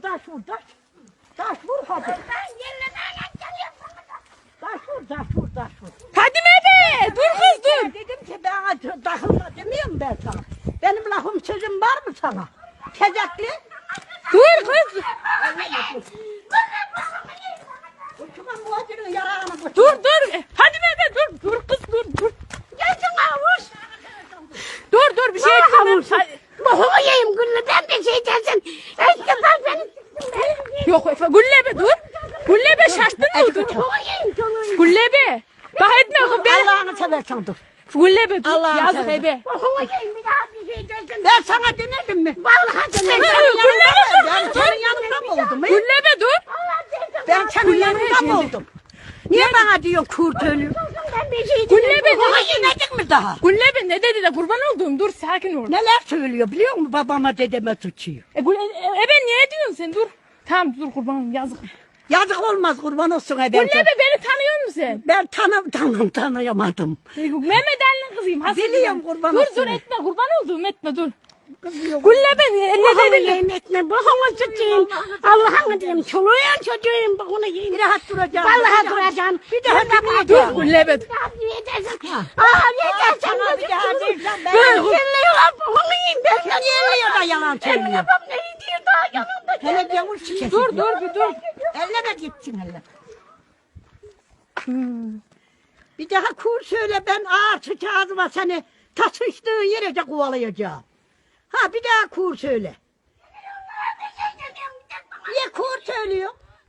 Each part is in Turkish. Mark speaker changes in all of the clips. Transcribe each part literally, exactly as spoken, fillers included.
Speaker 1: taş vur, taş. Taş vur hadi. Taş vur, taş vur, taş vur.
Speaker 2: Fadime be, dur kız dur.
Speaker 1: Dedim ki ben takılma demiyorum ben sana. Benim lafım sözüm var mı sana? Tezekli.
Speaker 2: Dur kız.
Speaker 1: Uçuman muhacir'in yarağını koy.
Speaker 2: Dur dur. Fadime be dur. Dur kız dur dur.
Speaker 1: Gelsin avuç.
Speaker 2: Dur dur bir şey etmem.
Speaker 1: Boğumu yiyeyim gülleden bir şey dersin. İşte ben seni.
Speaker 2: Yok Efe Güllebe dur. Güllebe şaştın mı? Dur.
Speaker 1: Boğumu yiyeyim canım.
Speaker 2: Güllebe. Bak etme kız ben.
Speaker 1: Allah'ını seversen dur.
Speaker 2: Güllebe dur.
Speaker 1: Allah'ını
Speaker 2: Yazık
Speaker 1: seversen.
Speaker 2: Ebe.
Speaker 1: Boğumu yiyeyim bir daha bir şey dersin. Ben sana denedim mi? Vallahi denedim.
Speaker 2: Güllebe.
Speaker 1: Ben senin yanında mı oldum? he?
Speaker 2: Güllebe dur.
Speaker 1: Ben senin yanında mı oldum? Niye bana diyorsun kurt ölü? Ben bir şey
Speaker 2: Güllebe
Speaker 1: Boğumu
Speaker 2: dur.
Speaker 1: yemedik mi daha?
Speaker 2: Güllebe ne dedi de kurban olduğum dur sakin ol.
Speaker 1: Neler söylüyor biliyor musun? Babama dedeme tutuyor.
Speaker 2: E, Gülle, e, Ebe niye diyorsun sen dur. Tamam dur kurbanım yazık.
Speaker 1: Yazık olmaz kurban olsun ben.
Speaker 2: Güllebe beni tanıyor musun sen?
Speaker 1: Ben tanım tanım tanıyamadım.
Speaker 2: Mehmet Ali'nin kızıyım. Hasıl
Speaker 1: Biliyorum,
Speaker 2: kızım.
Speaker 1: kurban
Speaker 2: Dur
Speaker 1: olsun.
Speaker 2: dur etme kurban olduğum etme dur. Güllebe ne
Speaker 1: Boğumu
Speaker 2: dedi?
Speaker 1: yiyeyim etme. Boğumu tutayım. Allah'ını diyeyim. Çoluğun çocuğuyum. Boğumu yiyeyim. Bir rahat duracağım. Vallahi duracağım. Bir daha
Speaker 2: Dur Güllebe dur.
Speaker 1: Aa yeter sen de bir daha dersen ben. Ben yerliyorlar boğumu yiyeyim. Ben sen yerliyor da yalan söylüyor. Benim babam ne diyor daha yanımda. Hele gavur şikesi.
Speaker 2: Dur dur bir dur.
Speaker 1: Elleme gitsin elle. Hmm. Bir daha kur söyle ben ağır sıçağızıma seni tasıştığın yerece kovalayacağım. Ha bir daha kur söyle. Niye kur söylüyor?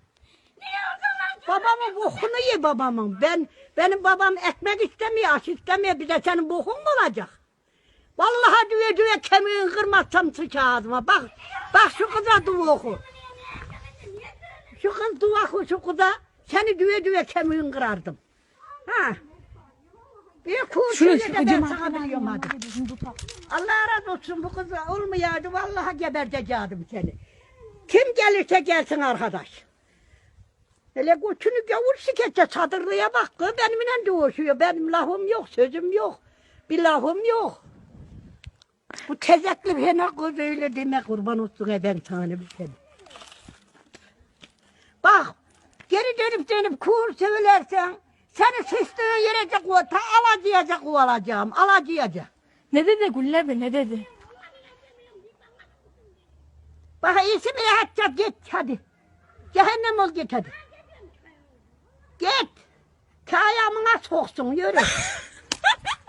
Speaker 1: Babamın bokunu ye babamın. Ben benim babam ekmek istemiyor, aş istemiyor. Bir de senin bokun mu olacak? Vallahi düve düve kemiğini kırmazsam sıçağızıma. Bak, bak şu kıza dua oku. Şu kız dua oku şu kıza. Seni düve düve kemiğini kırardım. Ha. Bir kur
Speaker 2: Şunu
Speaker 1: söyle de ben
Speaker 2: sıkacağım.
Speaker 1: sana biliyorum hadi. Allah razı olsun bu kız olmayaydı vallahi gebertecektim seni. Kim gelirse gelsin arkadaş. Hele götünü gavur siketse sadırlıya bak kız benimle dövüşüyor. Benim lafım yok, sözüm yok. Bir lafım yok. Bu tezekli fena kız öyle deme kurban olsun e ben sana bir seni. Bak geri dönüp dönüp kur söylersen seni sıçtığın yere de ta alacayacak kovalacağım, alacayacak.
Speaker 2: Ne dedi Güllebe ne dedi?
Speaker 1: Bak iyisi mi rahatça git hadi. Cehennem ol git hadi. Git. Kayamına soksun yürü.